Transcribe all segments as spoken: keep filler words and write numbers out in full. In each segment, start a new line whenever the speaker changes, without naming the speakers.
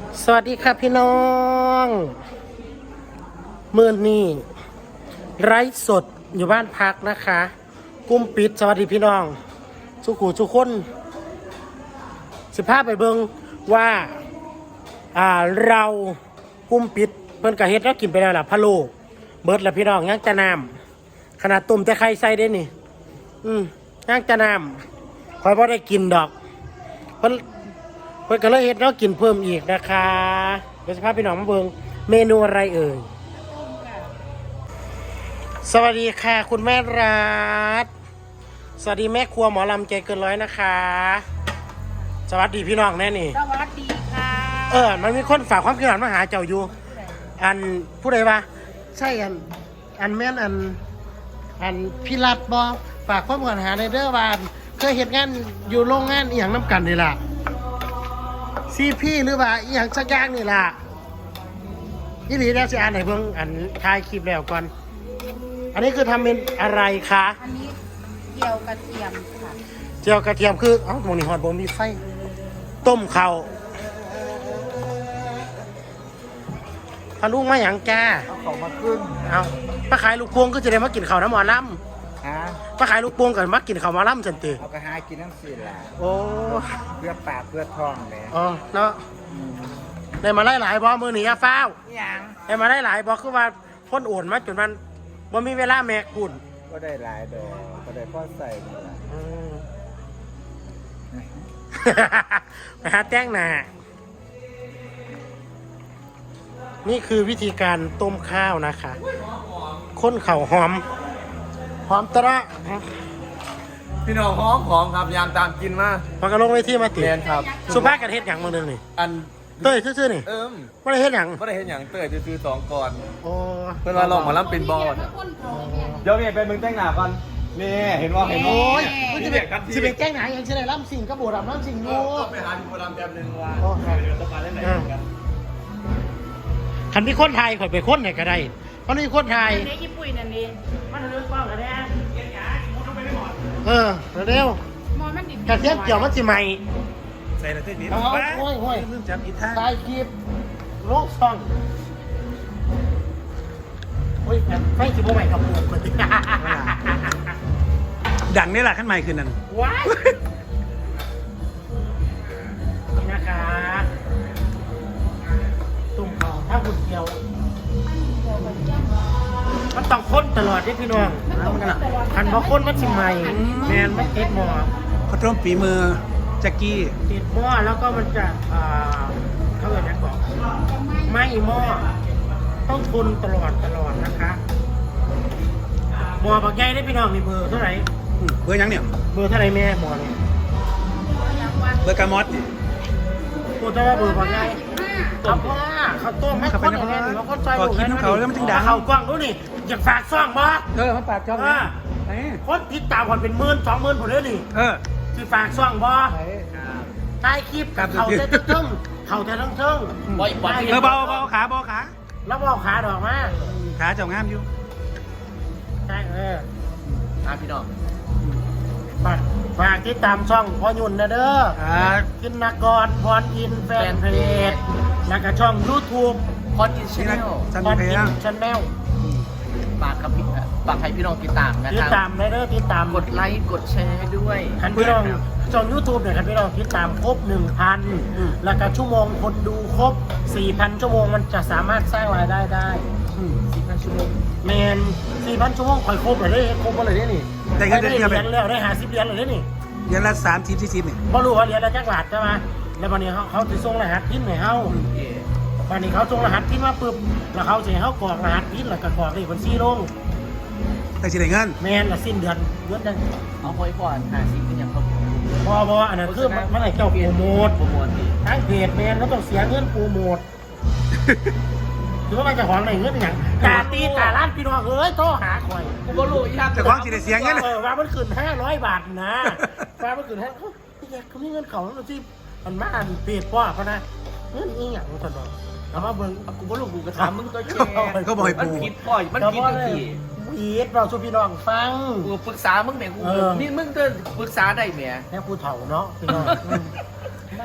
สวัสดีครับพี่น้องมื่อนี้ไร้สดอยู่บ้านพักนะคะกุ้มปิดสวัสดีพี่น้องสุขุสุขคนสิภาพไปเบิงว่าอ่าเรากุ้มปิดเพิ่นกะเฮ็ดแล้วกินไปแล้วล่ะพะโล้เบิดแล้วพี่น้องย่างจะน้ำขนาดตุ่มแต่ไข่ใส่ได้นี่อืมย่างจะน้ำคอยพอได้กินดอกเพิ่นเพิ่นก็เลยเฮ็ดแล้วกินเพิ่มอีกนะคะเดี๋ยวสิพาพี่น้องมาเบิงเมนูอะไรเอ่ยสวัสดีค่ะคุณแม่รัฐสวัสดีแม่ครัวหมอลำใจเกินร้อยนะคะสวัสดีพี่น้องแน่นี่
สวัสดีค่ะ
เออมันมีคนฝากความคิดเห็นมาหาเจ้าอยู่อันผู้ใดวะใช่อันอันแม่นอันอันพี่รัฐบอฝากความคิดเห็นหาในเด้อว่าเคยเห็นงานอยู่โรงงานอีหยังน้ำกันนี่ล่ะซีพี่หรือว่าอีหยังสักอย่างนี่ล่ะยี่หลีแล้วสิอ่านไหนเพิ่งอันถ่ายคลิปแล้วก่อนอันนี้คือทำเป็นอะไรคะ
อันนี้เจียวกระเทียมค่ะ
เจียวกระเทียมคือเอ้าหมองนี่หอดบ่มีไฟต้มข้าวพาลูกมาหยังจ้า
เอาของมาขึ้น
เอาป้าขายลูกพวงก็จะได้มากินข้าวน้ำหมอล
ฮะ
ำป้าขายลูกพวงกันมากินข้าวหมอลำจันติ
เอากระหากินน้ำสีแหละ
โอ้
เพื่อปากเพื่อท้องแหละ
อ๋อเนาะได้มาไล่หลายบ่มือหนีอะฟ้าว
ยัง
ได้มาไล่หลายบ่คือว่าพ้นโอนมาจนมันบ่มีเวลาแมกคุณ
ก็ได้หลายดอกก็ได้พ่อใส่นี่แหละ
อืม ไปหาแจ้งหนานี่คือวิธีการต้มข้าวนะคะข้นเข่าหอมหอมตระ
พี่น้องหอมหอมครับยามตามกินมา
พอกระลงไว้ที่มาติ
เรียนครับ
สุภาพกันเฮ็ดหยังมือหนึงนี่
อัน
เต้ยซื่อๆนี่
เอิม
ไม่ได้เฮ็ดหยัง
ไม่ได้เห็นอย่างเตยจะซื้อสองก่อน
โอ้
เพื่อนว่าลองหมาล้ำเป็นบอลเดี๋ยวเนี่ยเป็นมึงแต่งหน้าก่อนนี่เห็นว่าเห็น
โอ้
ว่าย
มันจะเป็นจะเป็นแจ้งหนาอย่างเช่นไรล่ำสิ่งกระโบดล่ำสิ่งอยู่
ไปหาพี่โบราณแบบนึงว่า
โอ้ครับ
เดี๋ยวต้องมาเล่นไหนกัน
คันมีคนไทยข่อยไปคนไหนก็ได้เพราะนี่คนไทย
อันนี้ญี่ปุ่นอันนี้
มันเรื่องกว้างกันแน่เออเร็ว
มอมันดิบ
กระเทียมเกี่ยวมันสิใหม่
ใส่ละเส้นนี้
เอาโอ้ยโอ้ย
เรื่องจำอีกท่า
ถ่ายคลิปโลกซองโอ้ยไฟสิบโมใหม่กับปูกเลย
ดังนี่แหละขั้นใหม่คืนนั้น
ว้ายนี่นะคะตุ่มเขาถ้าหุ่นเดียวมันต้องค้นตลอดที่พี่น้องคันพอค้นมันสิใหม่แมนมันติดหม้อ
ข้าวต้มฝีมือแจ็กกี้
ติดหม้อแล้วก็มันจะอ่าเขาเรียกอะไรบอกไม่หม้อต้องทนตลอดตลอดนะคะหม้อบักใหญ่ได้พี่น้องมีเบอร์เท่าไหร่
เบอร์ยังเนี่ย
เบอร์เท่าไหร่แม่หม้อเนี่ย
เบอร์กามอส
พูดแต่ว่าเบอร์บักใหญ่เขาพ่อเขาต้มให้คนอย่างนี้เขาคนใจลูกเขากว้างดูนี่อยากฝากซ่องบ่
เออเขาปากช่อง
อ่า
ไหน
คนติดตามคนเป็นหมื่นสองหมื่นผมเลยนี่
เออ
ที่ฝากซ่องบ่ใต้คลิปกับเขาเต้นทึ่งเขาเต้นทึ่งทึ่ง
เออเบาเบาขาเบาขา
แล้วบอกขาดอกมา
ขาเจ้างามอยู่
ใช่เออ
อ่ะพี่น้อง
ฝากฝากติดตามช่องพ่อยุ่นนะเด้อ
อ่า
กินนกรพรอินแฟนเพจแล้วก็ช่องยูทูบ
พอดกินชาแนล
จัน
พร
เพ
อิ
ล
นชาแนล
ฝากกับพี่ฝากให้พี่น้องติดตามนะ
ติด
ครับ
ตามนะเด้อติดตาม
กดไลค์กดแชร์ด้วย
คันพี่น้องช่องยูทูบเนี่ยคันพี่น้องติดตามครบหนึ่งพันแล้วก็ชั่วโมงคนดูครบสี่พันชั่วโมงมันจะสามารถสร้างรายได้ได้
สิบห้าชั่วโมง
แมนสี่พันชั่วโมงคอยครบเลยได้ครบเลยได้นี่
ได้เงินเดือนเดือน
ได้แล้วได้หาสิบเหรียญเลยได้นี่
เดือนละสามสิบสี่สิบเนี่ย
พอรู้ว่าเหรียญละจักรบาทใช่ไหมแล้ววันนี้เขาเขาจะส่งรหัสพินให้เขาวันนี้เขาส่งรหัสพินมาปุ๊บแล้วเขาจะให้เขากรอกรหัสพินแล้วก็กรอกเลขบัญชีลง
แต่สิได้เงิน
แมนละสิ้นเดือนเดือนนึง
เอาไว้ก่อนหาสิบเป็นอย่างเขา
พอพออันนั้นคือมันมันให้เจ้าโปรโมท
โปรโมทดี
ทั้งเพจแมนเขาต้องเสียเงินโปรโมทหรือว่ามันจะของอะไรเงินเป็นอย่างกาตีกาล้านพี่น้องเอ้ยโทรหาคอย
กูก็รู้ยาก
แต่ของสิได้เสียเงิน
เออว่ามันขึ้นห้าร้อยบาทนะว่ามันขึ้นห้าพี่แกเขามีเงินเขาแล้วที่มันมาอันเพจป้อเขานะเงินอีหยังมันสนองเอามาเบิ่ง
กูก็รู้กูก็ถามมึงก็แชร์
เขาบอกให้
มัน
ปู
ผิดพ่อยมันผิดทุกที
วีดเราช่วยพี่น้องฟัง
กูปรึกษามึงแหม่กู
เออ
นี่มึงก็ปรึกษาได้แหม่
แม่ผู้เฒ่าเนาะพี่น้องอืมนั่น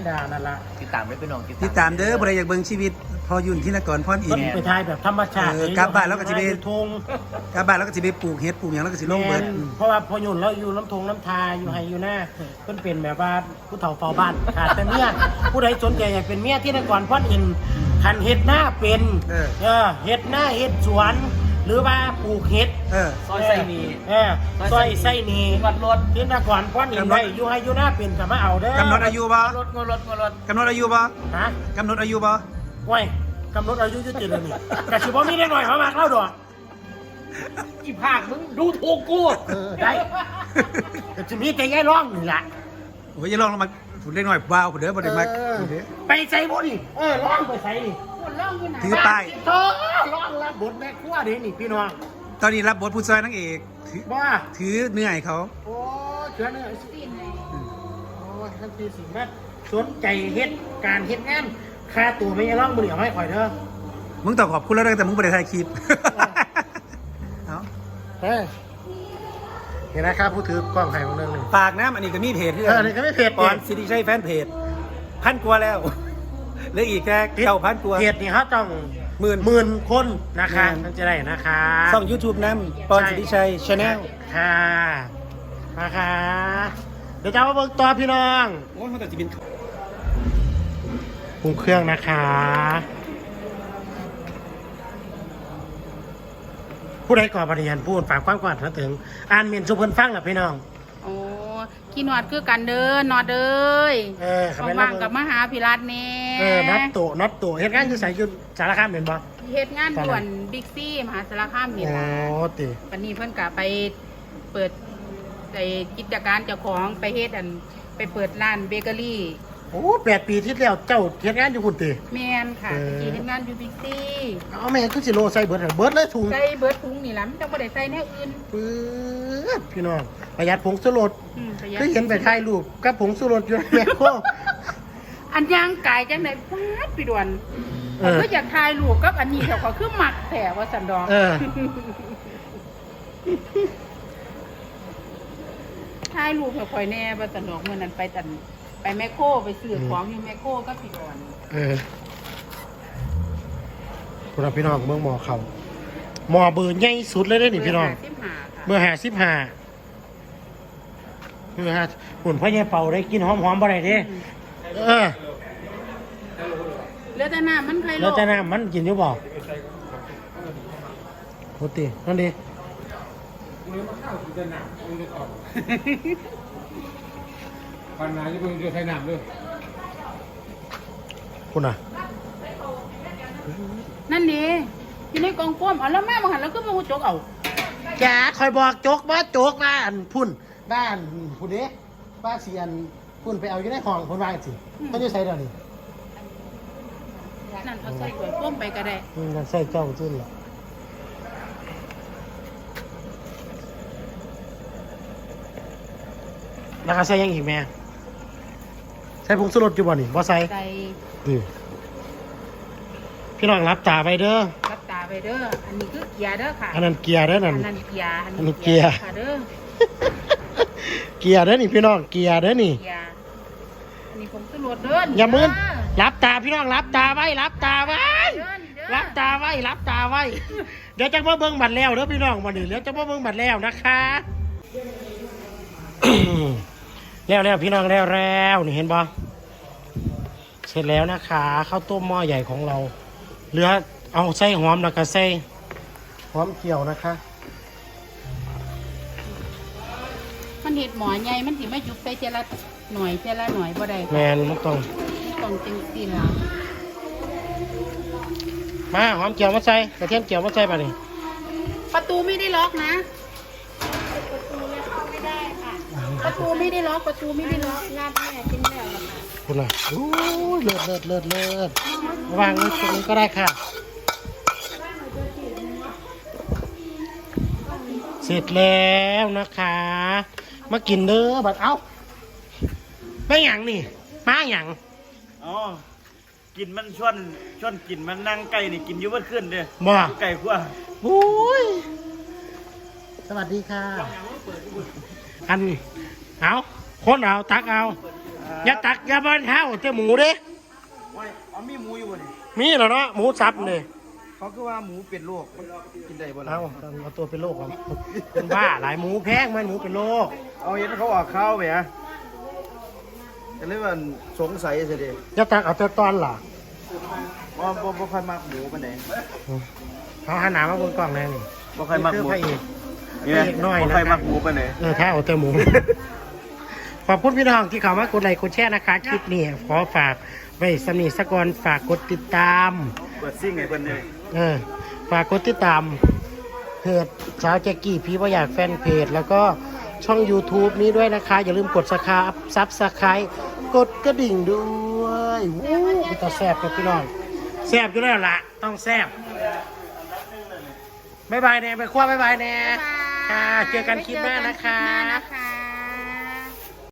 ดานั่นละ
ติดตามด้วยพี่น้อง
ติดตามเด้อบ่ได้อยากเบิ่งชีวิตพอยุ่นที่นครพรอิ
ต้
น
น
ทร์
ไปทายแบบธรรมชาติ
เออกลับบ้านแล้วก็สิไป
อยู่ทง
กลับบ้านแล้วก็สิไปปลูกเฮ็ดปลูกหยังแล้วก็สิลงเบิด
แม่นเพราะว่าพอหยุ่นแล้วอยู่น้ำทงน้ำทาอยู่ไฮอยู่หน้าเพิ่นเป็นแบบว่าผู้เฒ่าเฝ้าบ้านขาดแต่เมียผู้ใดสนใจอยากเป็นเมียที่นครพรอินทร์คันเฮ็ดหน้าเป็น
เออ
เออเฮ็ดหน้าเฮ็ดสวน หรือว่าปลูกเฮ็ด
เออ
ซอยไส้หนี
เออซอยไส้หนี
วัดรถ
ที่นครพรอินทร์ไว้อยู่ไฮอยู่หน้าเป็นก็มาเอาเด้อก
ำหนดอายุบ่
รถงรถงรถ
กำหนดอายุบ่
ฮะ
กำหนดอายุบ่
โอ้ยกำหนดอายุยุติเลยนี่แต่สิบ่มีได้หน่อยเขามากเล่าดอก
อีภาคมึงดูถูกกู
เออได้แต่จะมีแต่ยายร้องนี่แหละ
โอ้ยอย่าลองลงมาฝุ่นเล็กน้อยว้าวพุ่นเด้อบ่ได้มัก
เออ
พุ่นเด้อ
ไปใส่บ่ดิเออร้องไปใส่ดิ
คนร้องอยู่ไหน
ถือป้าย
เออร้องรับบทแม่ครัวเด้นี่พี่น้อง
ตอนนี้รับบทผู้ช่วยนางเอกถือ
บ่
ถือเนื้อให้เขา
โอ้ยเชื่อเนื้อสิ
ตีนไหน
โอ้ยทันทีสิแม่สนใจเฮ็ดการเฮ็ดงานค่าตัวไม่ยายร้องบ่เหลียวให้ข่อยเด้อ
มึงต้องขอบคุณแล้วเด้อแต่มึงบ่ได้ถ่ายคลิป เอ้า
เฮ้ยเห็นนะครับผู้ถือกล้องไห้ของเรื่องหนึง
ฝากน้ำอันนี้ก็มีเพจ
เอออันนี้ก็มีเพจ
ปอนสิริชัยแฟนเพจพันกว่าแล้ว เหลืออีกแค่เก้าพันกว่า
เพจนี่เขาต้อง
หมื่น
หมื่นคนนะคะ
หมื่น
มันจะได้นะคะ
ช่อง YouTube น้ำปอนสิริชัยชาแนล
ค่ะนะคะเดี๋ยวจะมาเบิกต่อพี่น้อง
โอ้ยมันแต่จะบิน
ปรุงเครื่องนะคะ ผู้ใดก่อปฏิญาณพูดฝากความกวาดมาถึง อ่านเมียนสุพรรณฟังอ่ะพี่น้อง
โอ้ขี้หนวดคือกันเด้อนอดเด้ย
เออเขาไม่
ว่างๆกับมหาพิรัตนี่
เออน็อตโตน็อตโตเฮ็ดงานอยู่ใส่ยุสารคามเป็นบ่
เฮ็ดงานด่วนบิ๊กซี่มหาสารคามนี่
โอ้
ล่ะ
ติ
วันนี้เพิ่นก็ไปเปิดไอ้กิจการเจ้าของไปเฮ็ดอันไปเปิดร้านเบเกอรี่
โอ้แปดปีที่แล้วเจ้าเฮ็ดงานอยู่คุณติ
แม่นค่ะ
เออ
ตะกี้เฮ็ดงานอยู่บิ๊กซี่
เอาแม่คือสิโลใส่เบิดอะเบิดเลยถุง
ใส่เบิดถุงนี่ล่ะมันจังบ่ได้ใส่แนวอื่น
ปื๊ดพี่น้องประหยัดผงชูรส
อืมประหยัด
คือเห็นไปถ่ายรูปกับผงชูรสอยู่ในแมคโคร
อันย่างกายจังได๋ฟาดพี่ด่วน
เออ
ก็อยากถ่ายรูปกับอันนี้แต่ก็คือมักแท้ว่าซั่นดอก
เออ
ถ่ายรูปให้ข่อยแน่ว่าซั่นดอกมื้อนั้นไปตันไปแมคโครไปซื้อของอยู่แมคโครกับพี่ด่วน
เออพวกเราพี่น้องเมืองหมอเขาหมอเบอร์ใหญ่สุดเลยได้อนี่พี่น้อง
เบอร์ห้าสิบห้าค่ะ
เบอร์ห้าสิบห้าเบอร์ห้าหุ่นพ่อใหญ่เป่าได้กินหอมหอมๆบ่ได้เด้เออ
เหลือแต่น้ำมันไผโล
แล้วจะน้ำมันกินอยู่บ่โคตรนั่นดิ
ปัญหาที่คุณจะใช้น้ำด้วย
คุณอ่ะ
นั่นนี่อยู่ในกองฟ้อมเอาแล้วแม่มาหันแล้วก็มาหูจกเอา
แกคอยบอกโจกว่าโจกบ้านพุ่นบ้านพุ่นเด้บ้านเสียนพุ่นไปเอาอยู่ในห้องพุ่นว่าสิเขาจะใส่เดี๋ยวนี้
นั่นเอาใส่ถ้วยฟ้อมไปก็ได้
อืมใส่เจ้าจุ้นละแล้วก็ใส่ยังอีกแม่ใส่ผงชูรสอยู่บ่นี่บ่ใส่
ใส่
ดิพี่น้องรับตาไปเด้อ
รับตาไปเด้ออันนี้คือเกียร์เด้อค่ะ
อันนั้นเกียร์เด้อ
อั
นั่น
นนั้นเกียร์
อันนี้เกียร์
ค่ะเด้อ
เกียร์เด้อนี่พี่น้องเกียร์เด้อนี่
เกียร์อันนี้ผมสรวจเด้อ
อ
อย่
ามืนรับตาพี่น้องรับตาไว้รับตาไว้
เด้อนี่เด้อ
รับตาไว้รับตาไว้ เดี๋ยวจะมาเบิ่งบัตรแล้วเด้อพี่น้องวันนี้เดี๋ยวจะมาเบิ่งบัตรแล้วนะคะ แล้วแล้วพี่น้องแล้วแล้วนี่เห็นบ่เสร็จแล้วนะคะข้าวต้มหม้อใหญ่ของเราเหลือเอาใส่หอมแล้วก็ใส่หอมเกี่ยวนะคะ
มันเห็ดหมอใหญ่มันสิมายุบใส่เจละหน่อยเจละหน่อยบ่ได้
แมนมันต้อง
ต้องจังซี่ล่ะ
มาหอมเกี่ยวมาใส่กระเทียมเกี่ยวมาใส่ป่ะนี่
ประตูไม่ได้ล็อกนะประตูเข้าไม่ได้ค่ะประตูไม่ได้ล็อกประตูไม่ได้ล็อกลาดแม่กินแล้วค่ะ
คุณล่ะโอ้ยเลิศเลิศเลิศเลิศวางไว้ตรงนี้ก็ได้ค่ะ เสร็จแล้วนะคะ มากินเด้อบัดเอ้าไม่หยังนี่มาหยัง
อ๋อกินมันชวนชวนกินมันนั่งไก่นี่กินอยุ่เมื่อคืนเด้อ
บ่
ไก่ขั้ว
โอ้ยสวัสดีค่ะ อันเอาคนเอาตักเอา
อ
อย่าตักอย่าบ้านเท้าเจ้าหมูเด้
ไม่อ๋อมีหมูอยู่บ่นี่
มีเหรอเนาะหมูสับเลย
เขาคือว่าหมูเป็นโรคมันกินได้บ่ล่ะ
เอาเอาตัวเป็นโรคครับเป็นบ้าหลายหมูแพงมันหมูเป็นโรค
เอาเห็นเขาออกข้าวไปฮะก็เลยว่าสงสัยสิเด้
อย่าตักเอาแต่ตอนหล่ะ
ว่าบ่บ่ค่อยมักหมูปานใด
เขาหาหนามาบนกล่องแน่นี่
บ่ค่อยมักหมู
พระเอก
นี่นะบ่ค่อยมักหมูปานใด
เออถ้าเอาแต่หมู ขอบคุณพี่น้องที่เข้ามากดไลค์กดแชร์นะคะคลิปนี้ขอฝากไว้สำนีสกอนฝากกดติดตาม
เปิดซิ่งให้เพิ่นเลย
เออฝากกดติดตามเพจสาวแจ็กกี้พี่ว่าอยากแฟนเพจ แล้วก็ช่อง YouTube นี้ด้วยนะคะ อย่าลืมกดสคาซับสไครต์กดกระดิ่งด้วยวู้ยต้องแซ่บครับพี่น้องแซ่บอยู่แล้วล่ะ ต้องแซ่บบ๊ายบายแน่ไปคว้าบ๊ายบายแน่ค่ะเจอกันคลิปหน้านะคะ
เจอกันคลิปหน้านะคะ